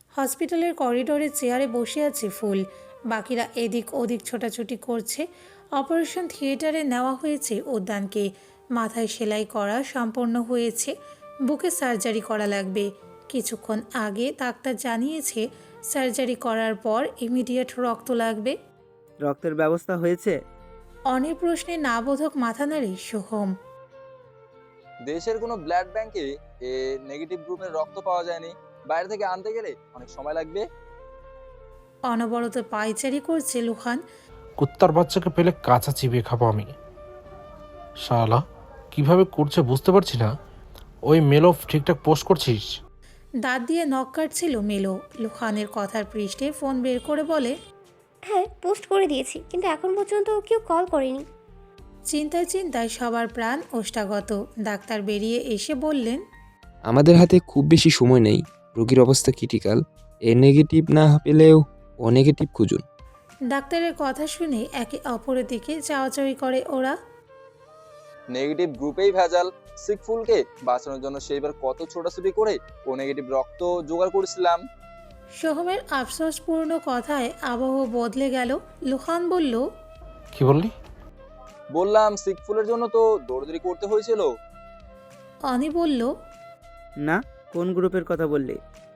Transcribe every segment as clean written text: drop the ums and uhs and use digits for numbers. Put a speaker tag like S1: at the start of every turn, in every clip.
S1: হসপিটালের করিডোরে চেয়ারে বসে আছে ফুল, বাকিরা এদিক ওদিক ছোটাছুটি করছে। অপারেশন থিয়েটারে নেওয়া হয়েছে উদ্যানকে। মাথায় সেলাই করা সম্পন্ন হয়েছে, বুকে সার্জারি করা লাগবে। কিছুক্ষণ আগে ডাক্তার জানিয়েছে সার্জারি করার পর ইমিডিয়েট রক্ত লাগবে।
S2: রক্তের ব্যবস্থা হয়েছে?
S1: অনেক প্রশ্নে না বোধক মাথা নাড়ে সোহম।
S3: দেশের কোনো ব্লাড ব্যাংকে এ নেগেটিভ গ্রুপের রক্ত পাওয়া যায়নি। বাইরে থেকে আনতে গেলে অনেক সময় লাগবে।
S1: অনবরত পায়চারি করছে লুহান।
S4: কুত্তার বাচ্চাকে পেলে কাঁচা চিবিয়ে খাবো আমি। শালা কিভাবে করছে বুঝতে পারছি না। ওই মেলো ঠিকঠাক পোস্ট করছিস?
S1: দাঁত দিয়ে নখ কাটছিল মেলো। লুহানের কথার পৃষ্ঠে ফোন বের করে বলে,
S5: হ্যাঁ, পোস্ট করে দিয়েছি, কিন্তু এখন পর্যন্ত কেউ কল করেনি।
S1: চিন্তায় চিন্তায় সবার প্রাণ ওষ্ঠাগত। ডাক্তার বেরিয়ে এসে বললেন,
S6: আমাদের হাতে খুব বেশি সময় নেই। রোগীর অবস্থা ক্রিটিক্যাল। এ নেগেটিভ না পেলেও ও নেগেটিভ খুঁজুন।
S1: ডাক্তারের কথা শুনে একে অপরের দিকে চাওয়াচাওয়ি করে ওরা।
S3: নেগেটিভ গ্রুপেই ভেজাল। সিকফুলকে বাঁচানোর জন্য সেইবার কত ছোটাছুটি করে ও নেগেটিভ রক্ত জোগাড় করেছিলাম।
S1: সোহমের আফসোসপূর্ণ কথায় আবহ বদলে গেল। লুহান বলল,
S4: কি বললি?
S3: বললাম সিকফুলের জন্য তো দৌড়দৌড়ি করতে হয়েছিল।
S1: অনি বলল,
S2: না, কোন গ্রুপের কথা বললি?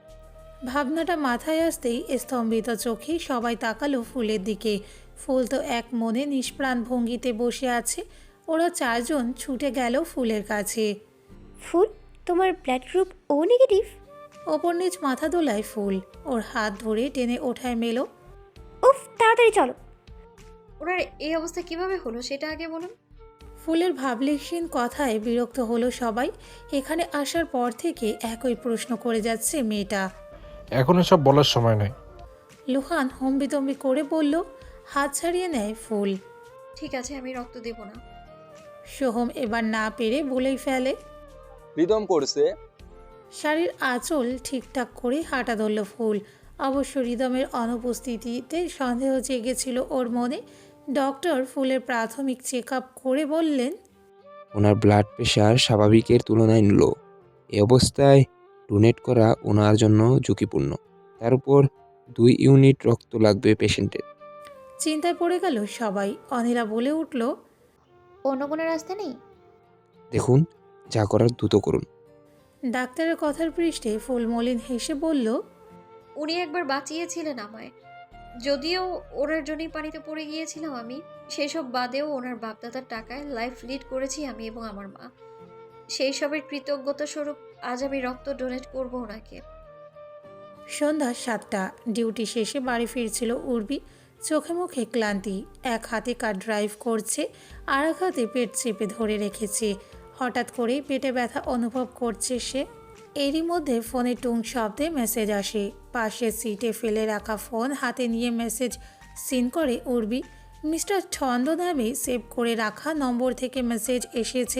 S1: ভাবনাটা মাথায় আসতেই স্তম্ভিত চোখে সবাই তাকালো ফুলের দিকে। ফুল তো এক মনে নিষ্প্রাণ ভঙ্গিতে বসে আছে। ওরা চারজন ছুটে গেল ফুলের কাছে।
S5: ফুল, তোমার ব্লাড গ্রুপ ও নেগেটিভ?
S1: ওপর নিচ মাথা দোলায় ফুল। ওর হাত ধরে টেনে ওঠায় মেলো।
S5: উফ, তাড়াতাড়ি চলো।
S7: ওনার এই অবস্থা কিভাবে হলো সেটা আগে বলুন।
S1: ফুলের ভাবলেশহীন কথায় বিরক্ত হলো সবাই। এখানে আসার পর থেকে একই প্রশ্ন করে যাচ্ছে মেয়েটা।
S4: এখন এসব বলার সময় নেই।
S1: লুহান হম্বিতম্বি করে বলল। হাত ছাড়িয়ে নেয় ফুল।
S7: ঠিক আছে, আমি রক্ত দেব না।
S1: সোহম এবার না পেরে বলেই ফেলে।
S3: রিদম করছে।
S1: শাড়ির আঁচল ঠিকঠাক করে হাঁটা ধরল ফুল। অবশ্য রিদমের অনুপস্থিতিতে সন্দেহ জেগেছিল ওর মনে। ডক্টর ফুলের প্রাথমিক চেক আপ করে বললেন,
S6: ওনার ব্লাড প্রেশার স্বাভাবিকের তুলনায় লো। এই অবস্থায় ডোনেট করা ওনার জন্য ঝুঁকিপূর্ণ। তার উপর 2 ইউনিট রক্ত লাগবে পেশেন্টের।
S1: চিন্তায় পড়ে গেল সবাই। অনিলা বলে উঠল,
S7: অন্য কোনো রাস্তা নেই?
S6: দেখুন, যা করার দ্রুত করুন।
S1: ডাক্তারের কথার পৃষ্ঠে ফুল মলিন হেসে বলল,
S7: উনি একবার বাঁচিয়েছিলেন আমায়, যদিও ওনার জন্যই পানিতে পড়ে গিয়েছিলাম আমি। সেসব বাদেও ওনার বাপদাদার টাকায় লাইফ লিড করেছি আমি এবং আমার মা। সেই সবের কৃতজ্ঞতা স্বরূপ আজ আমি রক্ত ডোনেট করব ওনাকে।
S1: সন্ধ্যা 7টা। ডিউটি শেষে বাড়ি ফিরছিল উর্বি। চোখে মুখে ক্লান্তি। এক হাতে কার ড্রাইভ করছে, আর এক হাতে পেট চেপে ধরে রেখেছে। হঠাৎ করেই পেটে ব্যথা অনুভব করছে সে। এরই মধ্যে ফোনে টুং শব্দে মেসেজ আসে। পাশের সিটে ফেলে রাখা ফোন হাতে নিয়ে মেসেজ সিন করে উর্বি। মিস্টার ছন্দ নামে সেভ করে রাখা নম্বর থেকে মেসেজ এসেছে।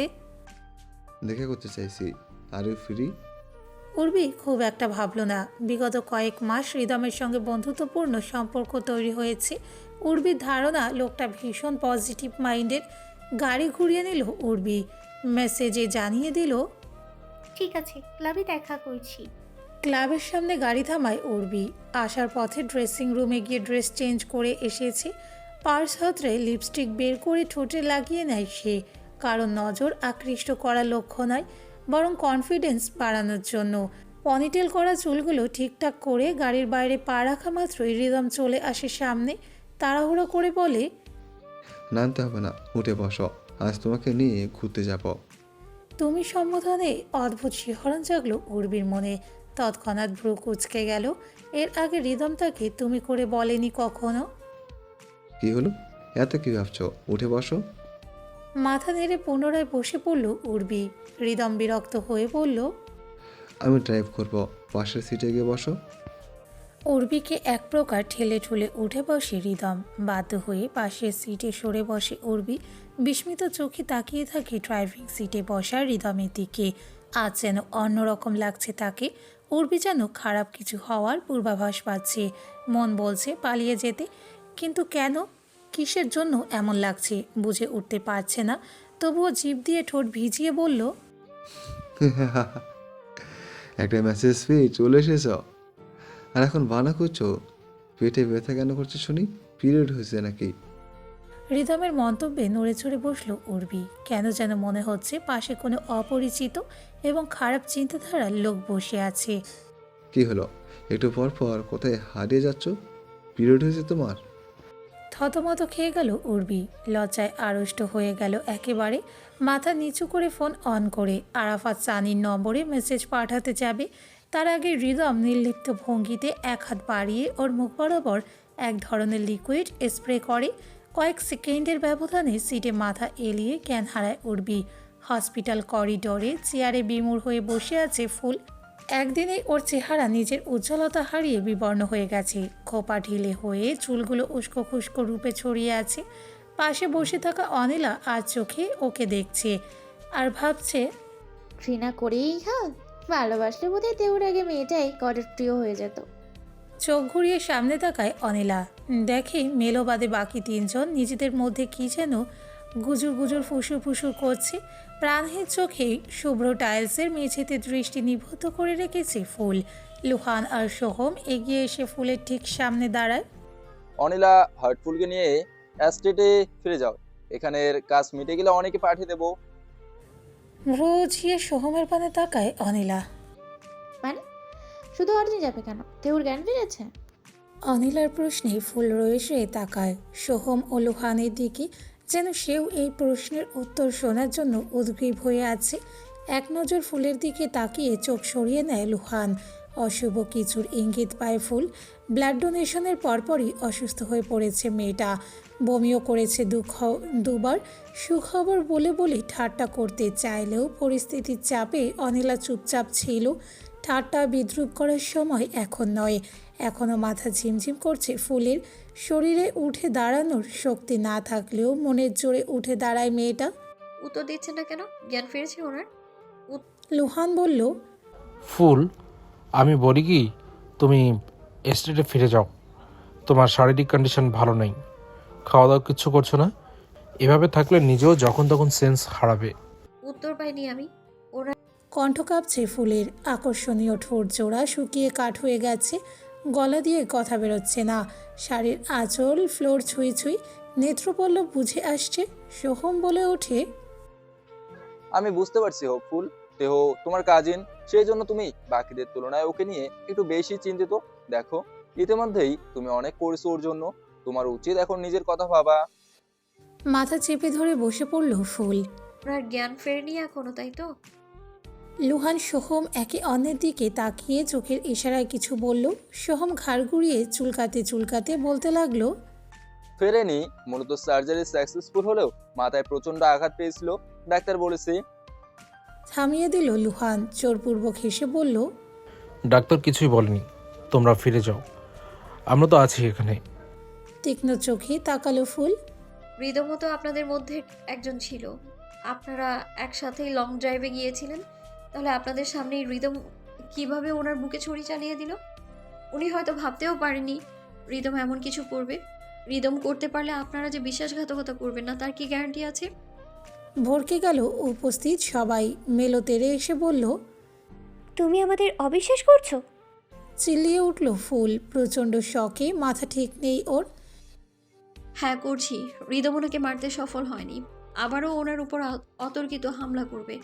S8: দেখা করতে চাইছি, আর ইউ ফ্রি?
S1: উর্বি খুব একটা ভাবল না। বিগত কয়েক মাস রিদমের সঙ্গে বন্ধুত্বপূর্ণ সম্পর্ক তৈরি হয়েছে। উর্বির ধারণা লোকটা ভীষণ পজিটিভ মাইন্ডের। গাড়ি ঘুরিয়ে নিল উর্বি। মেসেজে জানিয়ে দিল,
S5: ঠিক আছে, ক্লাবে দেখা করছি।
S1: ক্লাবের সামনে গাড়ি থামায় উর্বি। আসার পথে ড্রেসিং রুমে গিয়ে ড্রেস চেঞ্জ করে এসেছে। পার্স হাতড়ে লিপস্টিক বের করে ঠোঁটে লাগিয়ে নেয় সে। কারণ নজর আকৃষ্ট করা লক্ষ্য নয়, বরং কনফিডেন্স বাড়ানোর জন্য। পনিটেল করা চুলগুলো ঠিকঠাক করে গাড়ির বাইরে পা রাখা মাত্রই রিদম চলে আসে সামনে। তাড়াহুড়ো করে বলে,
S8: নামতে হবে না, উঠে বসো, আজ তোমাকে নিয়ে ঘুরতে যাব।
S1: তুমি সম্বোধনে অদ্ভুত শিহরণ জাগলো উর্বির মনে। তৎক্ষণাৎ ভ্রু কুঁচকে গেল। এর আগে রিদম তাকে তুমি করে বলেনি কখনো।
S8: কি হলো, এত কি ভাবছো? উঠে বসো।
S1: মাথা নেড়ে পুনরায় বসে পড়ল উর্বি। রিদম বিরক্ত হয়ে বলল,
S8: আমি ড্রাইভ করব, পাশের সিটে গিয়ে বসো।
S1: উর্বিকে এক প্রকার ঠেলে ঠুলে উঠে বসে রিদম। বাধ্য হয়ে পাশের সিটে সরে বসে উর্বি। বিস্মিত চোখে তাকিয়ে থাকে ড্রাইভিং সিটে বসা রিদমের দিকে। আজ যেন অন্যরকম লাগছে তাকে। উর্বি যেন খারাপ কিছু হওয়ার পূর্বাভাস পাচ্ছে। মন বলছে পালিয়ে যেতে, কিন্তু কেন, কিসের জন্য এমন লাগছে বুঝে উঠতে পারছে না। তবুও জিভ দিয়ে ঠোঁট ভিজিয়ে বলল,
S8: একটা মেসেজ পেয়ে চলে এসেছ? আর এখন বানা করছো? পেটে ব্যথা কেন করছো শুনি? পিরিয়ড হয়েছে নাকি?
S1: রিদমের মন্তব্যে নড়ে চড়ে বসল উর্বি। কেন যেন মনে হচ্ছে পাশে কোনো অপরিচিত এবং খারাপ চিন্তাধারার লোক বসে আছে।
S8: কি হলো? একটু পর পর কোথায় হারিয়ে যাচ্ছ? পিরিয়ড হয়েছে তোমার?
S1: থতমত খেয়ে গেল উর্বি। লজ্জায় আড়ষ্ট হয়ে গেল একেবারে। মাথা নিচু করে ফোন অন করে আরাফাত সানির নম্বরে মেসেজ পাঠাতে যাবে, তার আগে রিদম নির্লিপ্ত ভঙ্গিতে এক হাত বাড়িয়ে ওর মুখ বরাবর এক ধরনের লিকুইড স্প্রে করে। কয়েক সেকেন্ডের ব্যবধানে সিটে মাথা এলিয়ে জ্ঞান হারায় উর্বি। হসপিটাল করিডোরে চেয়ারে বিমূঢ় হয়ে বসে আছে ফুল। একদিনেই ওর চেহারা নিজের উজ্জ্বলতা হারিয়ে বিবর্ণ হয়ে গেছে। খোপা ঢিলে হয়ে চুলগুলো উস্কো খুস্কো রূপে ছড়িয়ে আছে। পাশে বসে থাকা অনিলা আর চোখে ওকে দেখছে আর ভাবছে,
S9: ঘৃণা করেই খাল, ভালোবাসলে বোধহয় দেওর আগে মেয়েটাই গডের প্রিয় হয়ে যেত।
S1: চোখ ঘুরিয়ে সামনে তাকায় অনিলা। দেখে মেলো বাদে বাকি তিনজন নিজেদের মধ্যে কী যেন গুজুর গুজুর ফুসুর ফুসুর করছে। প্রাণহীন চোখে শুভ্র টাইলসের মেঝেতে দৃষ্টি নিবদ্ধ করে রেখেছে ফুল। লুহান আর সোহম এগিয়ে এসে ফুলের ঠিক সামনে দাঁড়ায়।
S3: অনিলা, হার্টফুলকে নিয়ে অ্যাস্টেটে ফিরে যাও। এখানের কাজ মিটে গেলে অনেকে পাঠিয়ে দেবো।
S1: রোজিয়ে সোহমের পানে তাকায় অনিলা।
S9: মানে শুধু অর্জুন যাবে কেন? দেওর জ্ঞান ফিরেছে?
S1: অনিলার প্রশ্নে ফুল রয়েছে তাকায় সোহম ও লুহানের দিকে, যেন সেও এই প্রশ্নের উত্তর শোনার জন্য উদ্গ্রীব হয়ে আছে। এক নজর ফুলের দিকে তাকিয়ে চোখ সরিয়ে নেয় লুহান। অশুভ কিছুর ইঙ্গিত পায় ফুল। ব্লাড ডোনেশনের পরপরই অসুস্থ হয়ে পড়েছে মেয়েটা। বমিও করেছে দুবার। সুখবর বলে বলে ঠাট্টা করতে চাইলেও পরিস্থিতির চাপে অনিলা চুপচাপ ছিল। ঠাট্টা বিদ্রুপ করার সময় এখন নয়। এখনও মাথা ঝিমঝিম করছে ফুলের। শরীরে উঠে দাঁড়ানোর শক্তি না থাকলেও মনের জোরে উঠে দাঁড়ায় মেয়েটা।
S7: উত্তর দিচ্ছে না কেন? জ্ঞান ফিরেছে ওনার?
S1: লুহান বলল,
S4: ফুল, আমি বলি কি, তুমি এস্টেটে ফিরে যাও। তোমার শারীরিক কন্ডিশন ভালো নেই, খাওয়া দাওয়া কিচ্ছু করছো না। এভাবে থাকলে নিজেও যখন তখন সেন্স হারাবে।
S7: উত্তর পাইনি আমি। ওনার
S1: কণ্ঠ কাঁপছে ফুলের। আকর্ষণীয় ঠোঁট জোড়া শুকিয়ে কাঠ হয়ে গেছে। গলা দিয়ে কথা বেরোচ্ছে না। শাড়ির আঁচল ফ্লোর ছুঁই ছুঁই। নেত্রপল্লব বুঝে আসছে। সোহম বলে ওঠে,
S3: আমি বুঝতে পারছি হোপফুল, দেহ তোমার কাজিন, সেই জন্য তুমি বাকিদের তুলনায় ওকে নিয়ে একটু বেশি চিন্তিত। দেখো, ইতিমধ্যেই তুমি অনেক করেছো ওর জন্য। তোমার উচিত এখন নিজের কথা ভাবা।
S1: মাথা চেপে ধরে বসে পড়ল ফুল।
S7: ওনার জ্ঞান ফেরেনি এখনো, তাই তো?
S1: লুহান সোহম একে অন্যের দিকে তাকিয়ে চোখের ইশারায় কিছু বলল। সোহম ঘাড় ঘুরিয়ে চুলকাতে চুলকাতে বলতে লাগলো,
S3: ফেরেনি, মূলত সার্জারি সাকসেসফুল হলেও মাথায় প্রচন্ড আঘাত পেয়েছিল, ডাক্তার বলেছে।
S1: থামিয়ে দিল লুহান। জোরপূর্বক হেসে বলল,
S4: ডাক্তার কিছুই বলেনি, তোমরা ফিরে যাও, আমরা তো আছি এখানে।
S1: তীক্ষ্ণ চোখে তাকালো ফুল।
S7: হৃদমও তো আপনাদের মধ্যে একজন ছিল। আপনারা একসাথেই লং ড্রাইভে গিয়েছিলেন। তাহলে আপনাদের সামনেই হৃদম কিভাবে ওনার বুকে ছুরি চালিয়ে দিল? উনি হয়তো ভাবতেও পারেনি হৃদম এমন কিছু করবে। হৃদম করতে পারলে আপনারা যে বিশ্বাসঘাতকতা করবেন না, তার কি গ্যারান্টি আছে?
S1: ভরকে গেল উপস্থিত সবাই। মেলো তেড়ে এসে বলল,
S5: তুমি আমাদের অবিশ্বাস করছো?
S1: চিল্লিয়ে উঠল ফুল। প্রচণ্ড শকে, মাথা ঠিক নেই ওর।
S7: হ্যাঁ করছি। হৃদম ওনাকে মারতে সফল হয়নি, আবারও ওনার উপর অতর্কিত হামলা করবে।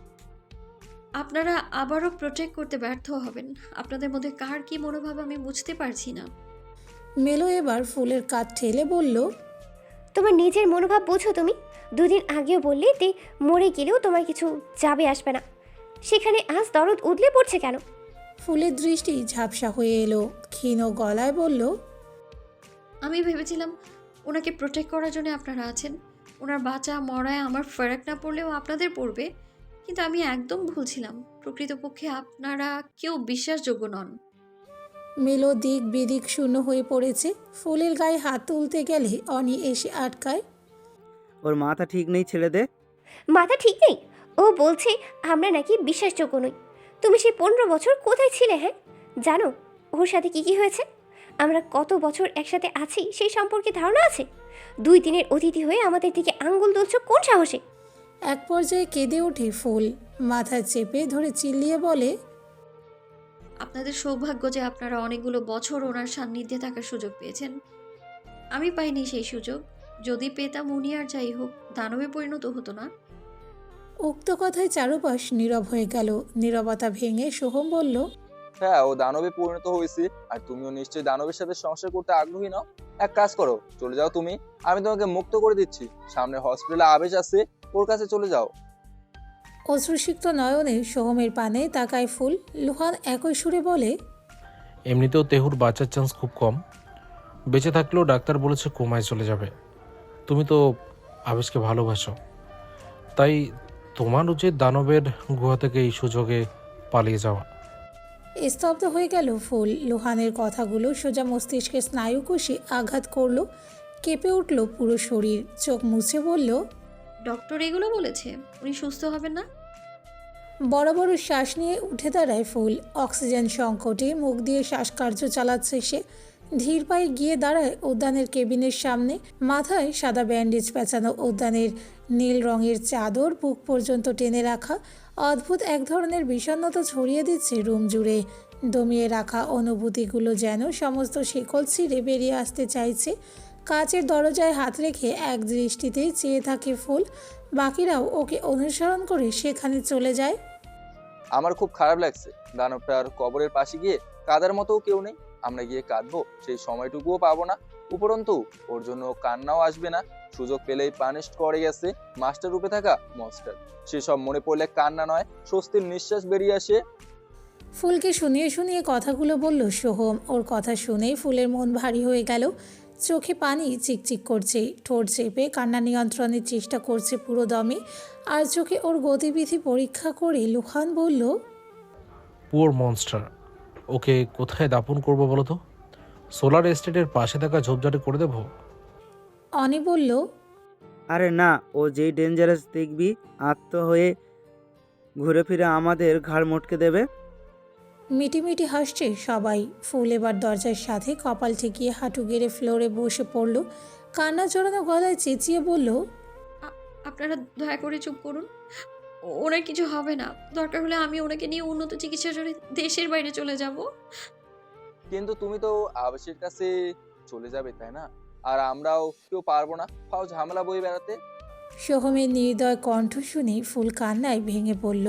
S7: আপনারা আবারও প্রোটেক্ট করতে ব্যর্থ হবেন। আপনাদের মধ্যে কার কি মনোভাব আমি বুঝতে পারছি না।
S1: মেলো এবার ফুলের কাঁধ ঠেলে বলল,
S5: তোমার নিজের মনোভাব বোঝো তুমি? দুদিন আগেও বললে তে মরে গেলেও তোমার কিছু যাবে আসবে না, সেখানে আজ দরদ উদলে পড়ছে কেন?
S1: ফুলের দৃষ্টি ঝাপসা হয়ে এলো। ক্ষীণ গলায় বলল,
S7: আমি ভেবেছিলাম ওনাকে প্রোটেক্ট করার জন্য আপনারা আছেন। ওনার বাঁচা মরায় আমার ফারাক না পড়লেও আপনাদের পড়বে, কিন্তু আমি একদম ভুল ছিলাম। প্রকৃতপক্ষে আপনারা কেউ বিশ্বাসযোগ্য নন।
S1: মেলো দিক বিদিক শূন্য হয়ে পড়েছে। ফুলের গায়ে হাত তুলতে গেলে অনি এসে আটকায়।
S2: ওর মাথা ঠিক নেই, ছেড়ে দে।
S5: মাথা ঠিক নেই? ও বলছে আমরা নাকি বিশ্বাসযোগ্য নই। তুমি সেই 15 বছর কোথায় ছিলে? হ্যাঁ, জানো ওর সাথে কি কি হয়েছে? আমরা কত বছর একসাথে আছি সেই সম্পর্কে ধারণা আছে? 2 দিনের অতিথি হয়ে আমাদের দিকে আঙ্গুল তুলছো কোন সাহসে?
S1: এক পর্যায়ে কেঁদে ওঠে ফুল। মাথা চেপে ধরে চিল্লিয়ে বলে,
S7: আপনাদের সৌভাগ্য যে আপনারা অনেকগুলো বছর ওনার সান্নিধ্যে থাকার সুযোগ পেয়েছেন। আমি পাইনি সেই সুযোগ। যদি পেতাম উনি আর যাই হোক দানবে পরিণত হতো না।
S1: উক্ত কথায় চারুপাশ নীরব হয়ে গেল। নীরবতা ভেঙে সোহম বলল,
S3: হ্যাঁ, ও দানবে পরিণত হয়েছে, আর তুমিও নিশ্চয়ই দানবের সাথে সংসার করতে আগ্রহী নাও। এক কাজ করো, চলে যাও তুমি, আমি তোমাকে মুক্ত করে দিচ্ছি। সামনে হসপিটালে আবেশ আছে, ওর কাছে চলে যাও।
S1: অশ্রুসিক্ত নয়নে সোহমের পানে তাকায় ফুল। লুহান একই সুরে বলে,
S4: এমনিতেও তেহুর বাঁচার চান্স খুব কম। বেঁচে থাকলেও ডাক্তার বলেছে কোমায় চলে যাবে। তুমি তো আবেশকে ভালোবাসো, তাই তোমার উচিত দানবের গুহা থেকে এই সুযোগে পালিয়ে যাওয়া।
S1: স্তব্ধ হয়ে গেল ফুল। লুহানের কথাগুলো সোজা মস্তিষ্কে স্নায়ুকোষে আঘাত করল। কেঁপে উঠল পুরো শরীর। চোখ মুছে বলল,
S7: ডক্টর এগুলো বলেছে উনি সুস্থ হবেন না?
S1: বড় বড় শ্বাস নিয়ে উঠে দাঁড়ায় ফুল। অক্সিজেন সংকটে মুখ দিয়ে শ্বাসকার্য চালাচ্ছে সে। ধীর পায়ে গিয়ে দাঁড়ায় উদ্যানের কেবিনের সামনে। মাথায় সাদা ব্যান্ডেজ পেঁচানো, উদ্যানের নীল রঙের চাদর বুক পর্যন্ত টেনে রাখা। অদ্ভুত এক ধরনের বিষণ্ণতা ছড়িয়ে দিচ্ছে রুম জুড়ে। দমিয়ে রাখা অনুভূতিগুলো যেন সমস্ত শিকল ছিঁড়ে বেরিয়ে আসতে চাইছে। কাচের দরজায় হাত রেখে এক দৃষ্টিতেই চেয়ে থাকে ফুল। বাকিরাও ওকে অনুসরণ করে সেখানে চলে যায়।
S3: আমার খুব খারাপ লাগছে, দানবটার কবরের পাশে গিয়ে কাদার মতো কেউ নেই। আমরা গিয়ে কাঁদবো, সেই সময়টুকুও পাবো না। উপরন্তু ওর জন্য কান্নাও আসবে না। সুযোগ পেলেই পানিশ করে গেছে মাস্টার রূপে থাকা মনস্টার। সেসব মনে পড়লে কান্না নয়, স্বস্তির নিঃশ্বাস বেরিয়ে আসে।
S1: ফুলকে শুনিয়ে শুনিয়ে কথাগুলো বলল সোহম। ওর কথা শুনেই ফুলের মন ভারী হয়ে গেল। চোখে পানি চিকচিক করছে। ঠোঁট চেপে কান্না নিয়ন্ত্রণের চেষ্টা করছে পুরো দমে। আর চোখে ওর গতিবিধি পরীক্ষা করে লুহান বলল,
S4: পুয়ার মনস্টার, ওকে কোথায় দাপন করবো বলো তো? সোলার এস্টেটের পাশে থাকা ঝোপঝাড়ে করে দেবো?
S1: অনি বলল,
S2: আরে না, ও যেই ডেঞ্জারাস দেখবি আত্ম হয়ে ঘুরে ফিরে আমাদের ঘাড় মটকে দেবে।
S1: মিটিমিটি হাসছে সবাই। ফুল এবার দরজার সাথে কপাল ঠেকিয়ে হাঁটু গেড়ে ফ্লোরে বসে পড়ল। কান্না জড়ানো গলায় চেঁচিয়ে বলল,
S7: আপনারা দয়া করে চুপ করুন। ওনার কিছু হবে না। দরকার হলে আমি ওনাকে নিয়ে উন্নত চিকিৎসার জন্য দেশের বাইরে চলে যাব।
S3: কিন্তু তুমি তো আবেশের কাছে চলে যাবে, তাই না? আর আমরাও কেউ পারবো না ফাও ঝামেলা বয়ে বেড়াতে।
S1: সোহমের নির্দয় কণ্ঠ শুনে ফুল কান্নায় ভেঙে পড়ল।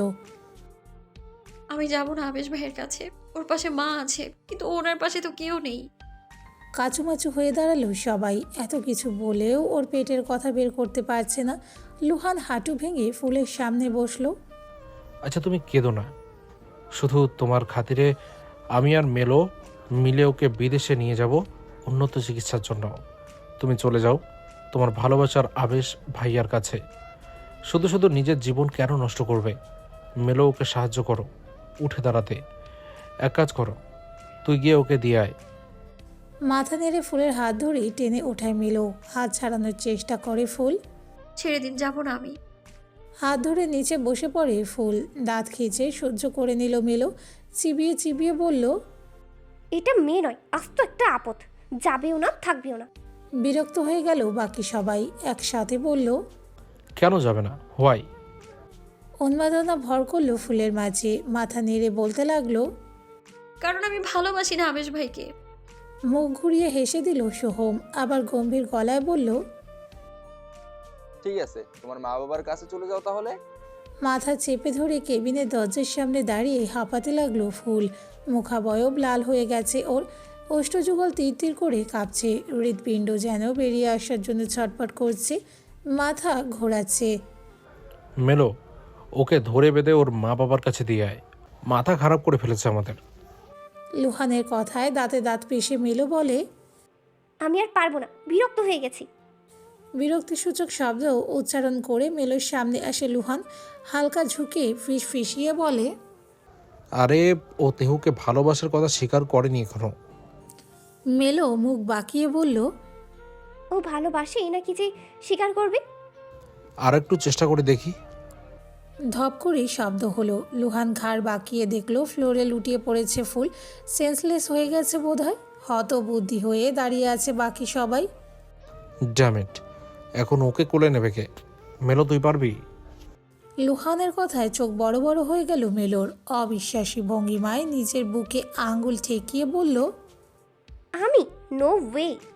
S7: আমি যাব না আবেশ ভাইয়ের কাছে। ওর পাশে মা আছে, কিন্তু ওনার পাশে তো কেউ নেই।
S1: কাচুমাচু হয়ে দাঁড়ালো সবাই। এত কিছু বলেও ওর পেটের কথা বের করতে পারছে না। লুহান হাঁটু ভেঙে ফুলের সামনে বসলো।
S4: আচ্ছা তুমি কেঁদো না, শুধু তোমার খাতিরে আমি আর মেলো মিলে ওকে বিদেশে নিয়ে যাব উন্নত চিকিৎসার জন্য। তুমি চলে যাও তোমার ভালোবাসার আবেশ ভাইয়ার কাছে। শুধু শুধু নিজের জীবন কেন নষ্ট করবে? মেলো ওকে সাহায্য করো উঠে দাঁড়াতে। এক কাজ করো, তুই গিয়ে ওকে দিয়ে আয়।
S1: মাথা নেড়ে ফুলের হাত ধরে টেনে ওঠায় মেলো। হাত ছাড়ানোর চেষ্টা করে ফুল।
S7: ছেড়ে দিন, যাব না আমি।
S1: হাত ধরে নিচে বসে পড়ে ফুল। দাঁত খিঁচে সহ্য করে নিল মেলো। চিবিয়ে চিবিয়ে বলল,
S5: এটা মেয়ে নয়, আস্ত একটা আপদ। যাবেও না, থাকবেও না।
S1: বিরক্ত হয়ে গেল বাকি সবাই। একসাথে বলল,
S4: কেন যাবে না? হোয়াই?
S1: উন্মাদনা ভর করল ফুলের মাঝে। মাথা নেড়ে বলতে লাগলো,
S7: কারণ আমি ভালোবাসি না আবেশ ভাইকে।
S1: মুখ ঘুরিয়ে হেসে দিল সোহম। আবার গম্ভীর গলায় বলল,
S3: ঠিক আছে, তোমার মা বাবার কাছে চলে যাও তাহলে।
S1: মাথা চেপে ধরে কেবিনের দরজার সামনে দাঁড়িয়ে হাঁপাতে লাগলো ফুল। মুখাবয়ব লাল হয়ে গেছে ওর। অষ্টযুগল তীর তীর করে কাঁপছে। হৃৎপিণ্ড যেন বেরিয়ে আসার জন্য ছটপট করছে। মাথা ঘোরাচ্ছে।
S4: মেলো, ওকে ধরে বেঁধে ওর মা বাবার কাছে দিয়ে আয়। মাথা খারাপ করে ফেলেছে আমাদের।
S1: লুহানের কথায় দাঁতে দাঁত পিষে মেলো বলে,
S5: আমি আর পারবো না, বিরক্ত হয়ে গেছি।
S1: বিরক্তিসূচক শব্দ উচ্চারণ করে মেলোর সামনে আসে লুহান। হালকা ঝুঁকে ফিসফিসিয়ে বলে,
S4: আরে ও তেহুকে ভালোবাসার কথা স্বীকার করেনি এখনো।
S1: মেলো মুখ বাঁকিয়ে বলল,
S5: ও ভালোবাসে নাকি যে স্বীকার করবে?
S4: আর একটু চেষ্টা করে দেখি।
S1: ধপ করে শব্দ হলো। লুহান ঘাড় বাঁকিয়ে দেখলো ফ্লোরে লুটিয়ে পড়েছে ফুল। সেন্সলেস হয়ে গেছে বোধহয়। হতবুদ্ধি হয়ে দাঁড়িয়ে আছে বাকি সবাই।
S4: ড্যাম ইট, এখন ওকে কোলে নেবে কে? মেলো তুই পারবি?
S1: লুহানের কথায় চোখ বড় বড় হয়ে গেল মেলোর। অবিশ্বাসী ভঙ্গিমায় নিজের বুকে আঙ্গুল ঠেকিয়ে বলল,
S5: আমি? No way.